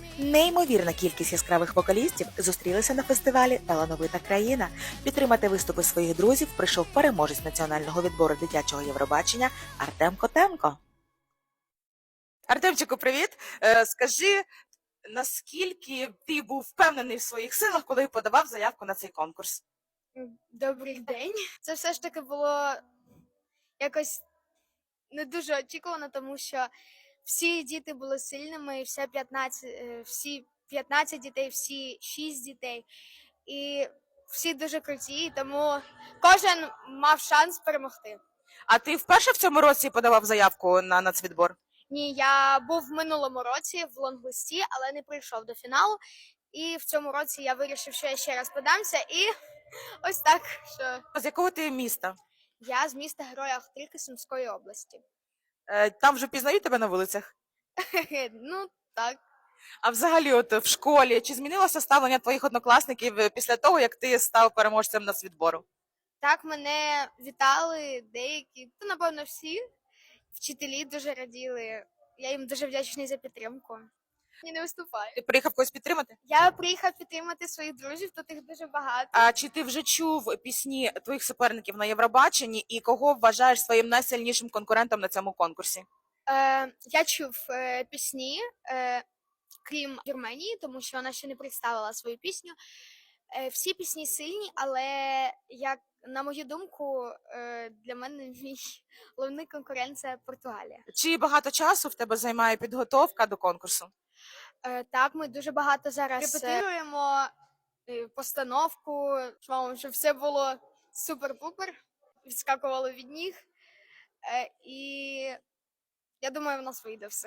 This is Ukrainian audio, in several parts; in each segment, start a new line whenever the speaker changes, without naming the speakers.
Неймовірна кількість яскравих вокалістів зустрілися на фестивалі «Талановита країна». Підтримати виступи своїх друзів прийшов переможець національного відбору дитячого Євробачення Артем Котенко. Артемчику, привіт! Скажи, наскільки ти був впевнений в своїх силах, коли подавав заявку на цей конкурс?
Добрий день. Це все ж таки було якось не дуже очікувано, тому що всі діти були сильними, всі 15 дітей, всі 6 дітей. І всі дуже круті, тому кожен мав шанс перемогти.
А ти вперше в цьому році подавав заявку на нацвідбор?
Ні, я був в минулому році в лонглисті, але не прийшов до фіналу. І в цьому році я вирішив, що я ще раз подамся, і ось так, що
З якого ти міста?
я з міста Героя Охтирки Сумської області.
Там вже пізнають тебе на вулицях?
Ну, так.
А взагалі, от в школі, чи змінилося ставлення твоїх однокласників після того, як ти став переможцем нацвідбору?
Так, мене вітали деякі, то, напевно, всі. Вчителі дуже раділи. Я їм дуже вдячний за підтримку. Я не виступаю.
Ти приїхав когось підтримати?
Я приїхав підтримати своїх друзів, тут їх дуже багато.
А чи ти вже чув пісні твоїх суперників на Євробаченні і кого вважаєш своїм найсильнішим конкурентом на цьому конкурсі?
Я чув пісні, крім Вірменії, тому що вона ще не представила свою пісню. Всі пісні сильні, але, як на мою думку, для мене мій головний конкурент – це Португалія.
Чи багато часу в тебе займає підготовка до конкурсу?
Так, ми дуже багато зараз репетируємо постановку, щоб все було супер-пупер, відскакувало від ніг. І я думаю, в нас вийде все.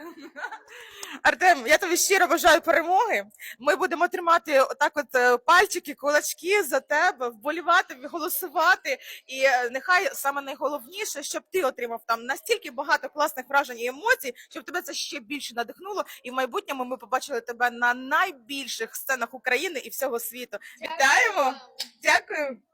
Артем, я тобі щиро бажаю перемоги. Ми будемо тримати отак от пальчики, кулачки за тебе, вболівати, голосувати. І нехай саме найголовніше, щоб ти отримав там настільки багато класних вражень і емоцій, щоб тебе це ще більше надихнуло. І в майбутньому ми побачили тебе на найбільших сценах України і всього світу. Вітаємо! Дякую!